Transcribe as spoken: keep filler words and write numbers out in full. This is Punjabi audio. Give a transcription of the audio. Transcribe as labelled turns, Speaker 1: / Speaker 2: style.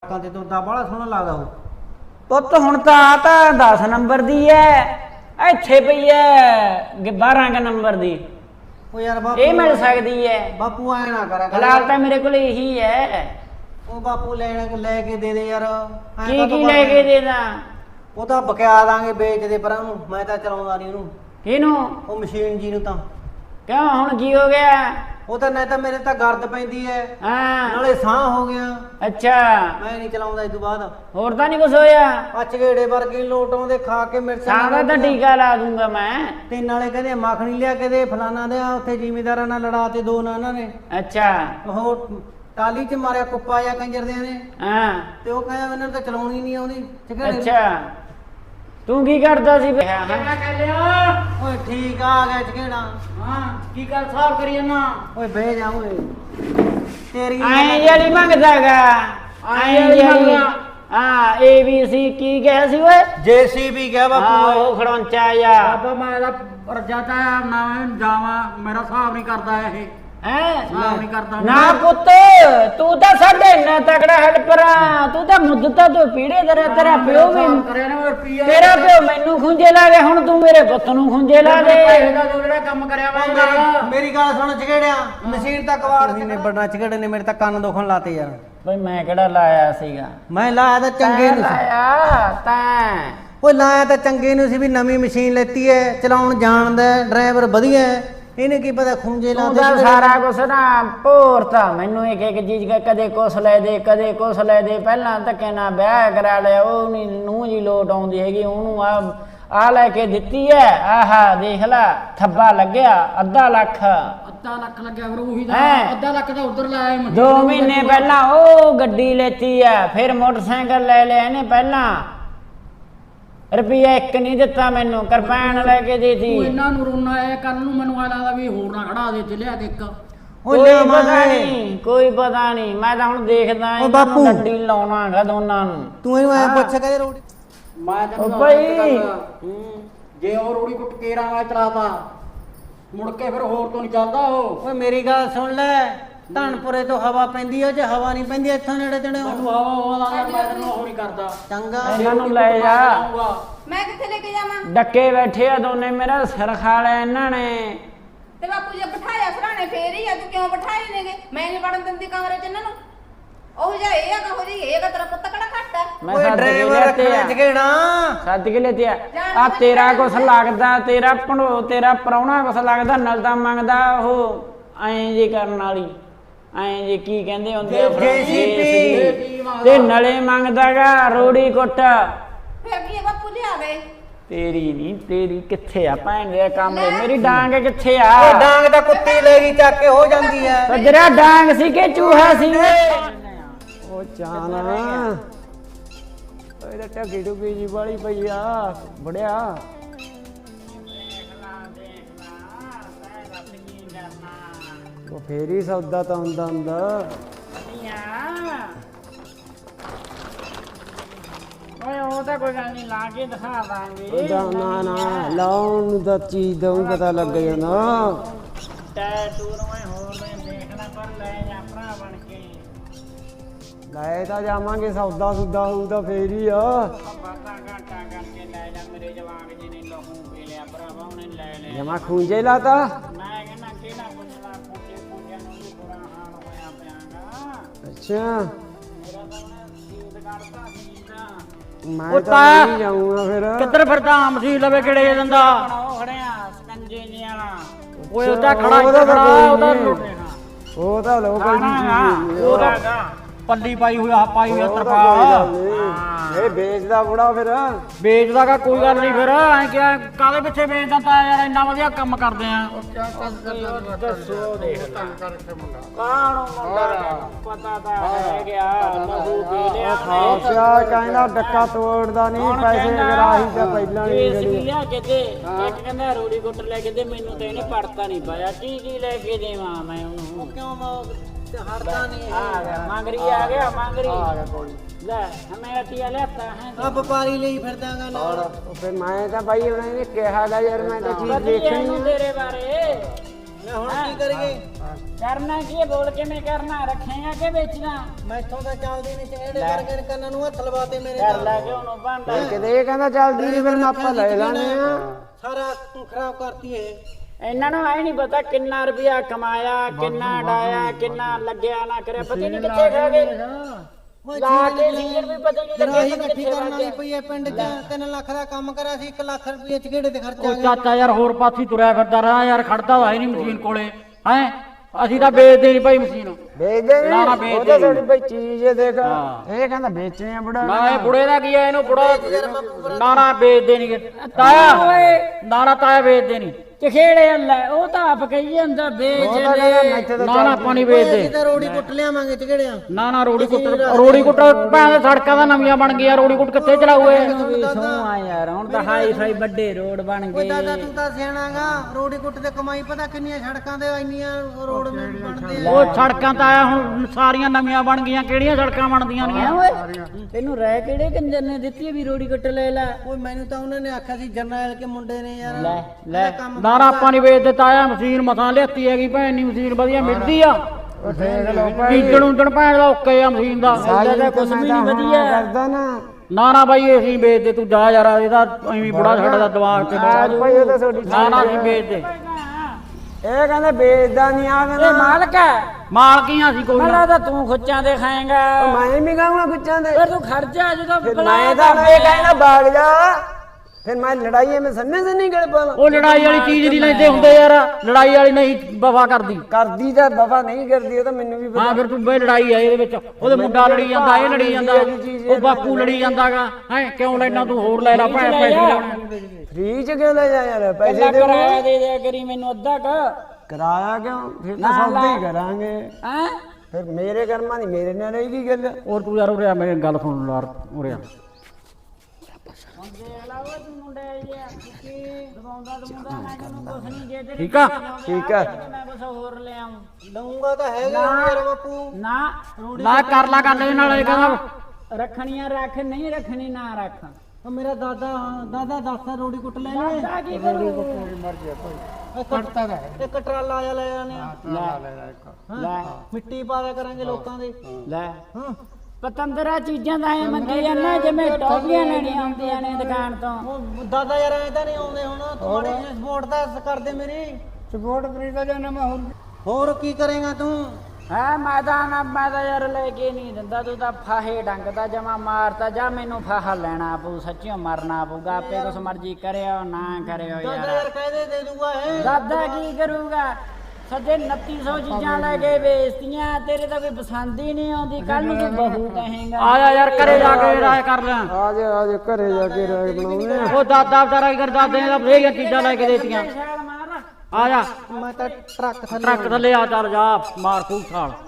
Speaker 1: ਤੇ ਤੋਤਾ ਬੜਾ ਸੋਹਣਾ ਲੱਗਦਾ ਉਹ।
Speaker 2: ਪੁੱਤ ਹੁਣ ਤਾਂ ਆ ਤਾਂ ਦਸ ਨੰਬਰ ਦੀ ਐ, ਇੱਥੇ ਪਈ ਐ ਬਾਰਾਂ ਕ ਨੰਬਰ ਦੀ।
Speaker 1: ਉਹ ਯਾਰ ਬਾਪੂ
Speaker 2: ਇਹ ਮਿਲ ਸਕਦੀ ਐ
Speaker 1: ਬਾਪੂ ਐ ਨਾ ਕਰਿਆ ਕਰ।
Speaker 2: ਫਿਲਹਾਲ ਤਾਂ ਮੇਰੇ ਕੋਲ ਇਹੀ ਐ।
Speaker 1: ਉਹ ਬਾਪੂ ਲੈਣ ਲੈ ਕੇ ਦੇ ਦੇ ਯਾਰ। ਐਂ
Speaker 2: ਕੀ
Speaker 1: ਕਾਹਤੋਂ
Speaker 2: ਕੀ ਲੈ ਕੇ ਦੇ ਦਾਂ?
Speaker 1: ਉਹ ਤਾਂ ਬਕਿਆ ਦਾਂਗੇ, ਵੇਚ ਦੇ ਪਰਾਂ ਨੂੰ, ਮੈਂ ਤਾਂ ਚਲਾਉਂਦਾ ਨਹੀਂ ਉਹਨੂੰ।
Speaker 2: ਕਿਹਨੂੰ?
Speaker 1: ਉਹ ਮਸ਼ੀਨ ਜੀ ਨੂੰ। ਤਾਂ
Speaker 2: ਕਿਉਂ ਹੁਣ ਕੀ ਹੋ ਗਿਆ?
Speaker 1: ਉਹ ਤਾਂ ਨਾ ਤਾਂ ਮੇਰੇ ਤਾਂ ਗਰਦ ਪੈਂਦੀ ਐ,
Speaker 2: ਹਾਂ
Speaker 1: ਨਾਲੇ ਸਾਹ ਹੋ ਗਿਆ।
Speaker 2: ਅੱਛਾ
Speaker 1: ਮੈਂ ਨਹੀਂ ਚਲਾਉਂਦਾ ਇਸ ਤੋਂ ਬਾਅਦ।
Speaker 2: ਹੋਰ ਤਾਂ ਨਹੀਂ ਕੁਛ ਹੋਇਆ?
Speaker 1: ਅੱਛ ਗੇੜੇ ਵਰਗੇ ਲੋਟ ਆਉਂਦੇ ਖਾ ਕੇ ਮੇਰੇ
Speaker 2: ਸਾਹ ਦਾ ਤਾਂ ਟੀਕਾ ਲਾ ਦੂੰਗਾ ਮੈਂ।
Speaker 1: ਤੇ ਨਾਲੇ ਕਹਿੰਦੇ ਮੱਖਣੀ ਲਿਆ ਕੇ ਦੇ ਫਲਾਨਾ ਦੇ, ਆ ਉੱਥੇ ਜ਼ਿਮੀਦਾਰਾਂ ਨਾਲ ਲੜਾ ਤੇ ਦੋ ਨਾ ਇਹਨਾਂ ਨੇ।
Speaker 2: ਅੱਛਾ
Speaker 1: ਉਹ ਟਾਲੀ ਚ ਮਾਰਿਆ ਕੁੱਪਾ ਜਾਂ ਕੰਜਰਦਿਆਂ ਨੇ।
Speaker 2: ਹਾਂ
Speaker 1: ਤੇ ਉਹ ਕਹਿੰਦਾ ਮੈਨੂੰ ਤਾਂ ਚਲਾਉਣੀ ਨਹੀਂ ਆਉਂਦੀ ਝਗੜੇ।
Speaker 2: ਅੱਛਾ ਤੂੰ ਕੀ ਕਰਦਾ ਸੀ?
Speaker 3: ਮੈਂ ਕਹਿ ਲਿਆ
Speaker 1: ਓਏ ਠੀਕ ਆ ਗਿਆ ਝਗੜਾ।
Speaker 3: ਹਾਂ ਕੀ ਗੱਲ ਸਾਫ ਕਰੀ ਨਾ।
Speaker 1: ਓਏ ਬਹਿ ਜਾ ਓਏ। ਤੇਰੀ
Speaker 2: ਐਂ ਜਿਹੜੀ ਮੰਗਦਾਗਾ ਐਂ ਜਿਹੜੀ। ਹਾਂ ਏ ਬੀ ਸੀ ਕੀ ਕਿਹਾ ਸੀ ਓਏ?
Speaker 1: ਜੇਸੀਬੀ ਕਿਹਾ
Speaker 2: ਹਾਂ
Speaker 1: ਬਾਪੂ।
Speaker 2: ਉਹ ਖੜੌਂਚਾ ਜਾ
Speaker 3: ਬਾਬਾ ਮੈਂ ਤਾਂ ਰਜਾ ਤਾਂ ਨਾ ਮੈਂ ਜਾਵਾਂ, ਮੇਰਾ ਹਿਸਾਬ ਨਹੀਂ ਕਰਦਾ ਇਹ।
Speaker 2: ਹੈ
Speaker 3: ਹਿਸਾਬ ਨਹੀਂ ਕਰਦਾ
Speaker 2: ਨਾ ਪੁੱਤ, ਤੂੰ ਤਾਂ ਸਾਡੇ ਇੰਨਾ ਤਕੜਾ ਹੈਲਪਰ ਆ। ਤੂੰ ਤਾਂ ਮੁੱਦਤਾ ਤੋਂ ਪੀੜੇ ਤੇਰਾ ਤੇਰਾ ਪਿਓ ਵੀ
Speaker 3: ਕਰਿਆ ਨਾ ਰੁਪਈਆ
Speaker 2: ਤੇਰਾ ਪਿਓ ਮੈਨੂੰ ਖੁੰਝੇ ਲਾ ਗਿਆ, ਹੁਣ ਤੂੰ ਮੇਰੇ ਪੁੱਤ ਨੂੰ ਖੁੰਝੇ ਲਾ ਦੇ।
Speaker 3: ਪੈਸੇ ਦਾ ਜੋ ਜਿਹੜਾ ਕੰਮ ਕਰਿਆ ਵਾ ਮੇਰਾ।
Speaker 1: ਮੇਰੀ ਗੱਲ ਸੁਣ ਝਗੜਿਆ, ਮਸ਼ੀਨ ਤਾਂ ਕਵਾੜ ਸੀ ਨਿਬੜਨਾ। ਝਗੜੇ ਨੇ ਮੇਰੇ ਤਾਂ ਕੰਨ ਦੁਖਣ ਲਾਤੇ ਯਾਰ।
Speaker 2: ਬਈ ਮੈਂ ਕਿਹੜਾ ਲਾਇਆ ਸੀਗਾ?
Speaker 1: ਮੈਂ ਲਾਇਆ ਤਾਂ ਚੰਗੇ ਨੂੰ ਸੀ।
Speaker 2: ਲਾਇਆ ਤਾਂ
Speaker 1: ਓਏ ਲਾਇਆ ਤਾਂ ਚੰਗੇ ਨੂੰ ਸੀ ਵੀ ਨਵੀਂ ਮਸ਼ੀਨ ਲੈਤੀ ਐ, ਚਲਾਉਣ ਜਾਣਦਾ, ਡਰਾਈਵਰ ਵਧੀਆ ਐ। ਇਹਨੇ ਕੀ ਪਤਾ ਖੁੰਝੇ ਲਾ
Speaker 2: ਤੂੰ
Speaker 1: ਦੇ।
Speaker 2: ਤਾਂ ਸਾਰਾ ਕੁਛ ਨਾ ਭੋਰਤਾ ਮੈਨੂੰ ਇੱਕ ਇੱਕ ਚੀਜ਼ ਦਾ, ਕਦੇ ਕੁਛ ਲੈ ਦੇ ਕਦੇ ਕੁਛ ਲੈ ਦੇ। ਪਹਿਲਾਂ ਧੱਕੇ ਨਾਲ ਵਿਆਹ ਕਰਾ ਲਿਆ, ਉਹ ਨਹੀਂ ਨੂੰ ਜੀ ਲੋਟ ਆਉਂਦੀ ਹੈਗੀ। ਉਹਨੂੰ ਆ ਆ ਲੈ ਕੇ ਦਿੱਤੀ ਐ। ਆਹਾ ਦੇਖ ਲੈ ਥੱਬਾ ਲੱਗਿਆ ਅੱਧਾ ਲੱਖ।
Speaker 3: ਅੱਧਾ ਲੱਖ ਲੱਗਿਆ ਫਿਰ ਉਹੀ ਦਾ
Speaker 2: ਹੈਂ?
Speaker 3: ਅੱਧਾ ਲੱਖ ਤਾਂ ਉਧਰ ਲਾਇਆ ਮੈਂ।
Speaker 2: ਦੋ ਮਹੀਨੇ ਪਹਿਲਾਂ ਉਹ ਗੱਡੀ ਲੈਤੀ ਐ, ਫਿਰ ਮੋਟਰਸਾਈਕਲ ਲੈ ਲਿਆ ਇਹਨੇ। ਪਹਿਲਾਂ ਰੁਪਈਆ ਇੱਕ ਨਹੀਂ ਦਿੱਤਾ ਮੈਨੂੰ, ਕਿਰਪਾਨ ਲੈ ਕੇ ਦੇਤੀ।
Speaker 3: ਤੂੰ ਇਹਨਾਂ ਨੂੰ ਰੋਣਾ ਆਇਆ, ਕੱਲ ਨੂੰ ਮੈਨੂੰ ਆ ਲੱਗਦਾ ਵੀ ਹੋਰ ਨਾ ਖੜਾ ਦੇ ਚ ਲਿਆ ਦੇ ਇੱਕ।
Speaker 1: ਓਏ
Speaker 2: ਕੋਈ
Speaker 1: ਲਿਆਵਾਂ
Speaker 2: ਪਤਾ
Speaker 1: ਮੈਂ।
Speaker 2: ਨਹੀਂ ਕੋਈ ਪਤਾ ਨਹੀਂ। ਮੈਂ ਤਾਂ ਹੁਣ ਦੇਖਦਾ
Speaker 1: ਓ
Speaker 2: ਇਹਨਾਂ
Speaker 1: ਬਾਪੂ।
Speaker 2: ਨੂੰ ਗੱਡੀ ਲਾਉਣਾਗਾ ਦੋਨਾਂ ਨੂੰ।
Speaker 1: ਤੂੰ ਇਹਨੂੰ ਐ
Speaker 2: ਹਾਂ।
Speaker 1: ਪੁੱਛ ਕੇ ਰੋਟੀ।
Speaker 3: ਮੈਂ
Speaker 2: ਓ
Speaker 3: ਤੈਨੂੰ
Speaker 2: ਭਾਈ।
Speaker 3: ਹੂੰ ਜੇ ਉਹ ਰੋੜੀ ਕੁੱਟ ਕੇਰਾ ਮੈਂ ਚਲਾਤਾ ਮੁੜ ਕੇ ਫਿਰ ਹੋਰ ਤੋਂ ਨਹੀਂ ਚੱਲਦਾ ਉਹ।
Speaker 1: ਓਏ ਮੇਰੀ ਗੱਲ ਸੁਣ ਲੈ, ਧਨਪੁਰੇ ਤੋਂ ਹਵਾ ਪੈਂਦੀ ਐ, ਜੇ ਹਵਾ ਨਹੀਂ ਪੈਂਦੀ ਇੱਥੋਂ ਨੇੜੇ ਤੇੜੇ
Speaker 3: ਮੈਨੂੰ ਹਵਾ ਹਵਾ ਦਾ ਮੈਂ ਤੈਨੂੰ ਉਹ ਨਹੀਂ ਕਰਦਾ।
Speaker 1: ਚੰਗਾ।
Speaker 2: ਇਹਨਾਂ ਨੂੰ ਲੈ ਜਾ।
Speaker 4: ਮੈਂ ਕਿੱਥੇ ਲੈ ਕੇ ਜਾਵਾਂ?
Speaker 2: ਡੱਕੇ ਬੈਠੇ ਆ ਦੋਨੇ, ਮੇਰਾ ਸਿਰ ਖਾ ਲਿਆ ਇਹਨਾਂ ਨੇ।
Speaker 4: ਤੇ ਬਾਪੂ ਜੀ ਬਿਠਾਇਆ ਸਰਾਣੇ ਫੇਰ ਹੀ ਆ, ਤੂੰ ਕਿਉਂ ਬਿਠਾਏ ਨੇਗੇ? ਮੈਂ ਨਹੀਂ ਵੜਨ ਦਿੰਦੀ ਕਮਰੇ ਚ ਇਹਨਾਂ ਨੂੰ। ਉਹ ਜਾ ਇਹ ਆ ਕਹੋ ਜੀ ਇਹ ਹੈਗਾ, ਤੇਰਾ ਪੁੱਤ ਕਿਹੜਾ ਘੱਟ ਆ?
Speaker 2: ਮੈਂ
Speaker 1: ਓਏ
Speaker 2: ਸੱਦ ਕੇ
Speaker 1: ਡਰਾਈਵਰ
Speaker 2: ਲਿਆਤੇ
Speaker 1: ਰੱਖਣਾ
Speaker 2: ਆ।
Speaker 1: ਝਗੜਾ।
Speaker 2: ਸੱਦ ਕੇ ਲਿਆਤੇ ਆ। ਆ ਤੇਰਾ ਕੁਛ ਲੱਗਦਾ, ਤੇਰਾ ਭਣੋ ਤੇਰਾ ਪ੍ਰਾਹੁਣਾ ਕੁਛ ਲੱਗਦਾ, ਨਲਦਾ ਮੰਗਦਾ ਉਹ ਐਂ ਜੇ ਕਰਨ ਵਾਲੀ। ਐਂ ਜੇ ਕੀ ਕਹਿੰਦੇ ਹੁੰਦੇ ਆ
Speaker 1: ਜੇ ਸੀ ਪੀ।
Speaker 2: ਤੇ ਨਲੇ ਮੰਗਦਾਗਾ ਰੋੜੀ ਕੁੱਟ।
Speaker 4: ਫੇਰ ਕੀ ਆ ਬਾਪੂ ਲਿਆਵੇ?
Speaker 2: ਤੇਰੀ ਨਹੀਂ ਤੇਰੀ ਕਿੱਥੇ ਆ ਭੈਣ ਦੇ ਕਮਰੇ? ਮੇਰੀ ਡਾਂਗ ਕਿੱਥੇ ਆ?
Speaker 1: ਓਏ ਡਾਂਗ ਤਾਂ ਕੁੱਤੀ ਲੈ ਗਈ ਚੱਕ ਕੇ, ਹੋ ਜਾਂਦੀ ਐ।
Speaker 2: ਤੇਰਾ ਡਾਂਗ ਸੀ ਕਿ ਚੂਹਾ ਸੀ?
Speaker 1: ਉਹ ਚਾਨਾ ਓਏ ਤਾਂ ਟੱਗੀ ਟੁੱਗੀ ਜੀ ਵਾਲੀ ਪਈ ਆ ਬੜਿਆ। ਉਹ ਫੇਰ ਹੀ ਸੌਦਾ ਤਾਂ ਹੁੰਦਾ ਹੁੰਦਾ।
Speaker 2: ਓਏ ਉਹ ਤਾਂ ਕੋਈ ਗੱਲ ਨਹੀਂ, ਲਾ ਕੇ ਦਿਖਾ ਦਾਂਗੇ।
Speaker 1: ਉਹਦਾ ਨਾ ਨਾ ਲਾਉਣ ਨੂੰ ਤਾਂ ਚੀਜ਼ ਦਾ ਵੀ ਪਤਾ ਲੱਗ ਜਾਂਦਾ।
Speaker 2: ਟੈਟੂ ਨੂੰ ਮੈਂ ਹੋਰ ਮੈਂ ਦੇਖਣਾ, ਪਰ ਲੈ ਜਾ ਭਰਾ ਬਣ ਕੇ।
Speaker 1: ਲੈ ਤਾਂ ਜਾਵਾਂਗੇ, ਸੌਦਾ ਸੁਦਾ ਹੋਊ ਤਾਂ ਫੇਰ ਹੀ ਆ।
Speaker 2: ਬਾਤਾਂ ਘਾਟਾਂ ਕਰਕੇ ਲੈ ਜਾ, ਮੇਰੇ ਜਵਾਕ ਜੀ ਨੇ ਲਹੂ ਪੀ ਲਿਆ ਭਰਾਵਾ, ਉਹਨੇ ਲੈ ਲਿਆ।
Speaker 1: ਜਮਾ ਖੂੰਜੇ ਲਾਤਾ।
Speaker 2: ਮੈਂ ਕਹਿੰਦਾ ਕਿਹੜਾ ਪੁੱਛਦਾ, ਪੁੱਛੇ ਪੁੱਛਿਆ ਨੂੰ ਵੀ ਬੁਰਾ ਹਾਲ ਹੋਇਆ ਪਿਆਗਾ।
Speaker 1: ਅੱਛਾ
Speaker 2: ਮੇਰਾ ਤਾਂ ਉਹਨੇ ਸੀਦ ਕੱਢਤਾ ਸੀਦ।
Speaker 1: ਮੈਂ
Speaker 3: ਉਹ
Speaker 1: ਤਾਂ
Speaker 3: ਤਾਂ-
Speaker 1: ਨਹੀਂ ਜਾਊਂਗਾ ਫਿਰ।
Speaker 3: ਕਿੱਧਰ ਫਿਰਦਾ ਮਸੀਹ ਲਵੇ ਕਿਹੜੇ ਜੇ ਦਿੰਦਾ।
Speaker 2: ਉਹ ਖੜਿਆ ਸਕੰਜੇ ਜੀ ਵਾਲਾ।
Speaker 3: ਓਏ ਉਹ ਤਾਂ ਖੜਾ
Speaker 1: ਉਹਦਾ
Speaker 3: ਇੱਥੇ
Speaker 1: ਤਾਂ
Speaker 3: ਖੜਾ
Speaker 1: ਕੋਈ
Speaker 3: ਉਹਦਾ
Speaker 1: ਨੀ।
Speaker 3: ਲੁੱਟੇਗਾ।
Speaker 1: ਉਹ ਤਾਂ ਲੋਕਲ ਦੀ ਚੀਜ਼ ਹੈ।
Speaker 2: ਉਹਦਾਗਾ
Speaker 3: ਪੱਲੀ ਪਾਈ ਹੋਈ ਆ ਪਾਈ ਹੋਈ ਆ
Speaker 1: ਉਹ ਤਾਂ
Speaker 3: ਤਰਪਾਲ।
Speaker 1: ਕੋਈ ਗੱਲ ਨੀ। ਇਹ ਵੇਚਦਾ ਬੁੜਾ ਫਿਰ।
Speaker 3: ਵੇਚਦਾ ਕਾ ਕੋਈ ਗੱਲ ਨਹੀਂ ਫਿਰ ਐ ਕਿ ਕਾਦੇ ਪਿੱਛੇ ਵੇਚਦਾ ਤਾਂ ਯਾਰ ਇੰਨਾ ਵਧੀਆ ਕੰਮ ਕਰਦੇ ਆ।
Speaker 2: ਦੱਸੋ ਦੇਖ ਕਾਹਨੂੰ ਮੁੰਡਾ ਪਤਾ ਤਾਂ ਹੈ ਗਿਆ, ਲਹੂ ਪੀ ਲਿਆ
Speaker 1: ਖਾਸਿਆ ਕਹਿੰਦਾ ਡੱਕਾ ਤੋੜਦਾ ਨਹੀਂ, ਪੈਸੇ ਗਰਾਹੀ ਤਾਂ ਪਹਿਲਾਂ ਨਹੀਂ
Speaker 2: ਇਸ
Speaker 1: ਜਿਹੜੀ।
Speaker 2: ਲਿਆ ਕੇ ਦੇ। ਇੱਕ ਕਹਿੰਦਾ ਰੋੜੀ ਗੁੱਟ ਲੈ ਕੇ ਦੇ, ਮੈਨੂੰ ਤਾਂ ਇਹਨੇ ਪੜਤਾ ਨਹੀਂ ਪਾਇਆ। ਕੀ ਕੀ ਲੈ ਕੇ ਦੇਵਾਂ ਮੈਂ ਉਹਨੂੰ?
Speaker 1: ਕਿਉਂ ਹੜਦਾ ਨਹੀਂ
Speaker 2: ਆ ਗਿਆ ਮੰਗਰੀ, ਆ ਗਿਆ ਮੰਗਰੀ ਆ ਗਿਆ ਕੋਈ। ਲੈ ਹਮੇ ਅਟਿਆ ਲਿਆਤਾ ਹੈ।
Speaker 1: ਆ ਵਪਾਰੀ ਲਈ ਫਿਰਦਾਗਾ ਨਾਲ। ਉਹ ਫਿਰ ਮੈਂ ਤਾਂ ਬਾਈ ਉਹਨਾਂ ਨੇ ਕਿਹਾ ਦਾ ਯਾਰ, ਮੈਂ ਤਾਂ ਚੀਜ਼
Speaker 2: ਵਧੀਆ
Speaker 1: ਦੇਖਣੀ
Speaker 2: ਨੂੰ
Speaker 1: ਆ।
Speaker 2: ਤੇਰੇ ਬਾਰੇ
Speaker 1: ਹੁਣ ਕੀ ਕਰੀਏ?
Speaker 2: ਕਰਨਾ ਕੀ ਹੈ? ਬੋਲ ਕਿਵੇਂ ਕਰਨਾ? ਰੱਖੇਗਾ ਕਿ ਵੇਚਣਾ?
Speaker 1: ਮੈਥੋਂ ਤਾਂ ਚੱਲਦੀ ਨਹੀਂ ਚਿਹੜੇ ਵਰਗੇ ਕੰਨਾਂ ਨੂੰ ਹੱਥ ਲਵਾਤੇ ਮੇਰੇ
Speaker 2: ਕਰ ਲੈ ਕੇ ਉਹਨੂੰ ਭਾਂਡਾ
Speaker 5: ਕਿਤੇ ਇਹ ਕਹਿੰਦਾ ਚੱਲਦੀ ਨਹੀਂ ਫਿਰ ਆਪਾਂ ਲੈ ਲਾਣੇ ਆ।
Speaker 1: ਸਾਰਾ ਖਰਾਬ ਕਰਤੀ ਇਹ।
Speaker 2: ਇਹਨਾਂ ਨੂੰ ਐ ਨਹੀਂ ਪਤਾ ਕਿੰਨਾ ਰੁਪਇਆ ਕਮਾਇਆ, ਕਿੰਨਾ ਡਾਇਆ, ਕਿੰਨਾ ਲੱਗਿਆ ਨਾ ਕਰਿਆ, ਪਤਾ ਨਹੀਂ ਕਿੱਥੇ ਖਾ ਗਏ। ਲਾ ਕੇ ਸੀਜ਼ਨ ਵੀ ਪਤਾ ਨਹੀਂ
Speaker 1: ਗਰਾਹੀ
Speaker 2: ਲੱਗੇ
Speaker 1: ਇਕੱਠੀ ਕਰਨ ਵਾਲੀ ਪਈ ਐ ਪਿੰਡ 'ਚ। ਤਿੰਨ ਲੱਖ ਦਾ ਕੰਮ ਕਰਿਆ ਸੀ, ਇੱਕ ਲੱਖ ਰੁਪਏ ਚਿਹੜੇ ਤੇ ਖਰਚਾ ਆ
Speaker 3: ਉਹ
Speaker 1: ਗਿਆ।
Speaker 3: ਚਾਚਾ ਯਾਰ ਹੋਰ ਪਾਸੀ ਤੁਰਿਆ ਫਿਰਦਾ ਰਹਾ ਯਾਰ, ਖੜਦਾ ਤਾਂ ਹੈ ਨਹੀਂ ਮਸ਼ੀਨ ਕੋਲੇ ਹੈ। ਅਸੀਂ ਤਾਂ ਵੇਚਦੇ ਨਹੀਂ ਭਾਈ ਮਸ਼ੀਨ।
Speaker 5: ਵੇਚਦੇ
Speaker 3: ਨਾ, ਨਾ,
Speaker 5: ਨਹੀਂ,
Speaker 3: ਵੇਚਦੇ
Speaker 5: ਉਹ ਤਾਂ ਥੋੜੀ ਬਈ ਚੀਜ਼ ਹੈ ਦੇਖ।
Speaker 3: ਹਾਂ।
Speaker 5: ਇਹ ਕਹਿੰਦਾ ਵੇਚਣੇ ਆ ਬੁੜਾ।
Speaker 3: ਨਾ ਇਹ ਬੁੜੇ ਦਾ ਕੀ ਹੈ, ਇਹਨੂੰ ਬੁੜਾ ਨਾ ਨਾ ਵੇਚਦੇ ਨਹੀਂ ਤਾਇਆ। ਨਾ ਨਾ ਤਾਇਆ ਵੇਚਦੇ ਨਹੀਂ।
Speaker 2: ਚਖੇੜੇ ਲੈ ਉਹ ਤਾਂ ਆਪ ਕਹੀ ਜਾਂਦਾ ਵੇਚ
Speaker 5: ਉਹ ਤਾਂ ਕਹਿੰਦਾ ਮੈਥੇ ਤਾਂ
Speaker 3: ਨਾ ਨਾ ਆਪਾਂ ਨਹੀਂ
Speaker 1: ਅਸੀਂ
Speaker 3: ਵੇਚਦੇ।
Speaker 1: ਤਾਂ ਰੋੜੀ ਕੁੱਟ ਲਿਆਵਾਂਗੇ ਚਿਹੜਿਆਂ।
Speaker 3: ਨਾ ਨਾ ਰੋੜੀ ਕੁੱਟ ਰੋੜੀ ਕੁੱਟ ਭੈਣ ਸੜਕਾਂ ਦਾ ਨਵੀਆਂ ਬਣ ਗਈਆਂ, ਰੋੜੀ ਕੁੱਟ ਕਿੱਥੇ ਚਲਾਉਏ?
Speaker 2: ਵੀ ਸੋਹ ਆ ਯਾਰ, ਹੁਣ ਤਾਂ ਹਾਈ ਫਾਈ ਵੱਡੇ ਰੋਡ ਬਣ
Speaker 1: ਓਏ
Speaker 2: ਗਏ।
Speaker 1: ਦਾਦਾ ਤੂੰ ਤਾਂ ਸਿਆਣਾਗਾ, ਰੋੜੀ ਕੁੱਟ ਤੇ ਕਮਾਈ ਪਤਾ ਕਿੰਨੀਆਂ ਸੜਕਾਂ ਤੇ ਇੰਨੀਆਂ ਰੋਡ ਬਣਦੇ ਆ।
Speaker 3: ਉਹ ਸੜਕਾਂ ਤਾਂ ਆਇਆ ਹੁਣ ਸਾਰੀਆਂ ਨਵੀਆਂ ਬਣ ਗਈਆਂ, ਕਿਹੜੀਆਂ ਸੜਕਾਂ ਬਣਦੀਆਂ ਨਹੀਂ?
Speaker 2: ਓਏ ਤੈਨੂੰ ਰਹਿ ਕਿਹੜੇ ਕੰਜਰ ਨੇ ਦਿੱਤੀ ਵੀ ਰੋੜੀ ਕੱਟ ਲੈ ਲੈ?
Speaker 1: ਓਏ ਮੈਨੂੰ ਤਾਂ ਉਹਨਾਂ ਨੇ ਆਖਿਆ ਸੀ ਜਰਨੈਲ ਕੇ ਮੁੰਡੇ ਨੇ ਯਾਰ
Speaker 2: ਲੈ ਲੈ
Speaker 1: ਕੰਮ
Speaker 3: ਨਾ ਨਾ ਆਪਾਂ ਨਹੀਂ ਵੇਚਦੇ ਤਾਇਆ। ਮਸ਼ੀਨ ਮਸਾਂ ਲਿਆਤੀ ਹੈਗੀ ਭੈਣ ਨੀ, ਮਸ਼ੀਨ ਵਧੀਆ ਮਿਲਦੀ ਆ।
Speaker 5: ਉਹ ਦੇਖ ਲਓ ਭਾਈ,
Speaker 3: ਇੰਜਣ ਉਂਜਣ ਭੈਣ ਦਾ ਓਕੇ ਆ ਮਸ਼ੀਨ ਦਾ।
Speaker 5: ਸਾਲੀ
Speaker 2: ਦਾ ਕੁਛ
Speaker 5: ਤਾਂ
Speaker 2: ਵੀ
Speaker 5: ਮੈਂ
Speaker 2: ਨਹੀਂ
Speaker 5: ਤਾਂ
Speaker 2: ਵਧੀਆ।
Speaker 5: ਕਰਦਾ ਨਾ।
Speaker 3: ਨਾ ਨਾ ਬਾਈ ਅਸੀਂ ਵੇਚਦੇ, ਤੂੰ ਜਾ ਯਾਰ, ਇਹਦਾ ਐਵੇਂ ਬੁੜਾ ਸਾਡਾ ਦਾ ਦਿਮਾਗ ਤੇ
Speaker 5: ਆਜ ਭਾਈ ਉਹ ਤਾਂ ਤੁਹਾਡੀ
Speaker 3: ਨਾ ਨਾ ਅਸੀਂ ਵੇਚਦੇ।
Speaker 5: ਇਹ ਕਹਿੰਦਾ ਵੇਚਦਾ ਨਹੀਂ ਆ
Speaker 2: ਇਹ
Speaker 5: ਕਹਿੰਦਾ।
Speaker 2: ਮਾਲਕ ਹੈ,
Speaker 3: ਮਾਲਕੀਆਂ ਸੀ ਕੋਈ ਨਾ।
Speaker 2: ਮਲਾ ਤਾਂ ਤੂੰ ਖੁੱਚਾਂ ਦੇ ਖਾਏਗਾ।
Speaker 5: ਮੈਂ ਵੀ ਗਾਉਂਗਾ ਗੁੱਚਾਂ ਦੇ।
Speaker 2: ਫਿਰ ਤੂੰ ਖਰਚਾ ਜਦੋਂ
Speaker 5: ਫਿਰ
Speaker 2: ਬੁਲਾਇਆ
Speaker 5: ਮੈਂ ਤਾਂ ਇਹ ਕਹਿੰਦਾ ਭਾਗ ਜਾ। ਫਿਰ ਮੈਂ ਲੜਾਈ में ਸੰਨੇ से नहीं गड़ पाला।
Speaker 3: ਉਹ ਲੜਾਈ ਵਾਲੀ ਚੀਜ਼ ਨਹੀਂ ਲੈਂਦੇ ਹੁੰਦੇ ਯਾਰ, ਲੜਾਈ ਵਾਲੀ ਨਹੀਂ ਵਫਾ ਕਰਦੀ।
Speaker 5: ਕਰਦੀ ਤਾਂ ਵਫਾ ਨਹੀਂ ਕਰਦੀ, ਉਹ ਤਾਂ ਮੈਨੂੰ ਵੀ ਪਤਾ।
Speaker 3: ਹਾਂ ਫਿਰ ਤੂੰ ਬਈ ਲੜਾਈ ਆ ਇਹਦੇ ਵਿੱਚ, ਉਹਦੇ ਮੁੰਡਾ ਲੜੀ ਜਾਂਦਾ, ਇਹ ਲੜੀ ਜਾਂਦਾ, ਉਹ ਬਾਪੂ ਲੜੀ ਜਾਂਦਾਗਾ। ਹੈ ਕਿਉਂ ਲੈਣਾ ਤੂੰ? ਹੋਰ ਲੈ ਲੈ ਭੈਣ, ਪੈਸੇ ਲੈਣੇ।
Speaker 5: ਫ੍ਰੀ ਚ ਕਿਉਂ ਲੈ ਜਾ ਯਾਰ? ਪੈਸੇ
Speaker 2: ਪਹਿਲਾਂ
Speaker 5: ਦੇ
Speaker 2: ਕਿਰਾਇਆ ਦੇ ਦਿਆ ਕਰੀ ਮੈਨੂੰ ਅੱਧਾ ਕ
Speaker 5: ਕਿਰਾਇਆ ਕਿਉਂ? ਫਿਰ ਤਾਂ
Speaker 2: ਨਾ
Speaker 5: ਸੌਦਾ ਹੀ
Speaker 2: ਲੈ।
Speaker 5: ਕਰਾਂਗੇ।
Speaker 2: ਹੈ
Speaker 5: ਫਿਰ ਮੇਰੇ ਕਰਮਾਂ ਦੀ ਮੇਰੇ ਨਾਲ ਰਹੇਗੀ ਗੱਲ।
Speaker 3: ਹੋਰ ਤੂੰ ਯਾਰ ਉਰੇ ਆ, ਮੇਰੀ ਗੱਲ ਸੁਣ ਯਾਰ ਉਰੇ ਆ।
Speaker 2: ਹੁਣ ਦੇਖ ਲਾ ਉਹ ਤੂੰ ਮੁੰਡਾ ਜਿਹਾ ਕੀ ਦਵਾਉਂਦਾ ਤੂੰ ਮੁੰਡਾ ਮੈਂ ਤੈਨੂੰ ਕੁਛ ਨਹੀਂ ਜੇ ਤੇਰੇ
Speaker 3: ਠੀਕ ਆ?
Speaker 5: ਠੀਕ ਆ।
Speaker 2: ਮੈਂ ਕੁਛ ਹੋਰ ਲੈ ਆਉਂ
Speaker 1: ਲਊਂਗਾ ਤਾਂ ਹੈਗਾ ਯਾਰ ਬਾਪੂ।
Speaker 2: ਨਾ
Speaker 3: ਨਾ ਕਰ ਲਾ ਗੱਲ ਇਹਦੇ ਨਾਲ, ਇਹ ਕਹਿੰਦਾ
Speaker 2: ਰੱਖਣੀਆਂ ਰੱਖ, ਨਹੀਂ ਰੱਖਣੀ ਨਾ ਰੱਖ।
Speaker 1: ਉਹ ਮੇਰਾ ਦਾਦਾ ਦਾਦਾ ਦੱਸਦਾ ਰੋੜੀ ਕੁੱਟ ਲੈਣੇ
Speaker 2: ਦਾਦਾ ਕੀ ਕਰੂ?
Speaker 1: ਕੱਟਦਾ ਹੈ ਇੱਕ ਟਰਾਲਾ ਆ ਲੈ ਆਨੇ
Speaker 2: ਲੈ
Speaker 1: ਮਿੱਟੀ ਪਾ ਦਿਆ ਕਰਾਂਗੇ ਲੋਕਾਂ ਦੇ।
Speaker 2: ਲੈ
Speaker 1: ਹਾਂ
Speaker 2: ਪਤੰਦਰਾ ਚੀਜ਼ਾਂ ਦਾ ਐ ਮੰਗੀ ਜਾਂਦਾ, ਜਿਵੇਂ ਟੌਫੀਆਂ ਲੈਣੀਆਂ ਹੁੰਦੀਆਂ ਨੇ ਦੁਕਾਨ ਤੋਂ।
Speaker 1: ਉਹ ਦਾਦਾ ਯਾਰ ਐ ਤਾਂ ਨਹੀਂ ਆਉਂਦੇ ਹੁਣ। ਤੂੰ ਮਾੜੀ ਜਿਹੀ ਸਪੋਰਟ ਤਾਂ ਕਰਦੇ ਮੇਰੀ।
Speaker 5: ਸਪੋਰਟ ਖਰੀਦਾ ਜਾਣਾ ਮੈਂ ਹੋਰ।
Speaker 1: ਹੋਰ ਕੀ ਕਰੇਗਾ ਤੂੰ?
Speaker 2: ਹੈ ਮੈਂ ਤਾਂ ਨਾ ਮੈਂ ਤਾਂ ਯਾਰ ਲੈ ਕੇ ਨਹੀਂ ਦਿੰਦਾ, ਤੂੰ ਤਾਂ ਫਾਹੇ ਡੰਗਦਾ ਜਮਾ ਮਾਰਤਾ। ਜਾ ਮੈਨੂੰ ਫਾਹਾ ਲੈਣਾ ਪਊ, ਸੱਚੀਓ ਮਰਨਾ ਪਊਗਾ। ਆਪੇ ਕੁਛ ਮਰਜ਼ੀ ਕਰਿਓ ਨਾ ਕਰਿਓ
Speaker 1: ਦਾਦਾ
Speaker 2: ਯਾਰ।
Speaker 1: ਯਾਰ ਕਹਦੇ ਦੇ ਦੂਗਾ ਇਹ।
Speaker 2: ਦਾਦਾ ਕੀ ਕਰੂਗਾ? ਸੱਜੇ ਉਨੱਤੀ ਸੌ ਚੀਜ਼ਾਂ ਲੈ ਕੇ ਵੇਚਤੀਆਂ, ਤੇਰੇ ਤਾਂ ਕੋਈ ਪਸੰਦ ਹੀ ਨਹੀਂ ਆਉਂਦੀ। ਕੱਲ ਨੂੰ ਤੂੰ ਬਹੂ ਕਹੇਗਾ।
Speaker 3: ਆ ਜਾ ਯਾਰ ਘਰੇ ਜਾ ਕੇ ਰਾਏ ਕਰ ਲਿਆ।
Speaker 5: ਆ ਜਾ ਆ ਜਾ ਘਰੇ ਜਾ ਕੇ ਰਾਏ ਬਣਾਉਣੇ ਆ।
Speaker 3: ਉਹ ਦਾਦਾ ਵਿਚਾਰਾ ਕੀ ਕਰਦਾ, ਦਾਦੇ ਨੇ ਤਾਂ ਬਥੇਰੀਆਂ ਚੀਜ਼ਾਂ ਲੈ ਕੇ ਦੇਤੀਆਂ।
Speaker 2: ਛਾਲ ਮਾਰ।
Speaker 3: ਆ ਜਾ
Speaker 1: ਮੈਂ ਤਾਂ ਟਰੱਕ ਥੱਲੇ
Speaker 3: ਟਰੱਕ ਥੱਲੇ ਆ, ਚੱਲ ਜਾ ਮਾਰ ਖੂਹ ਛਾਲ।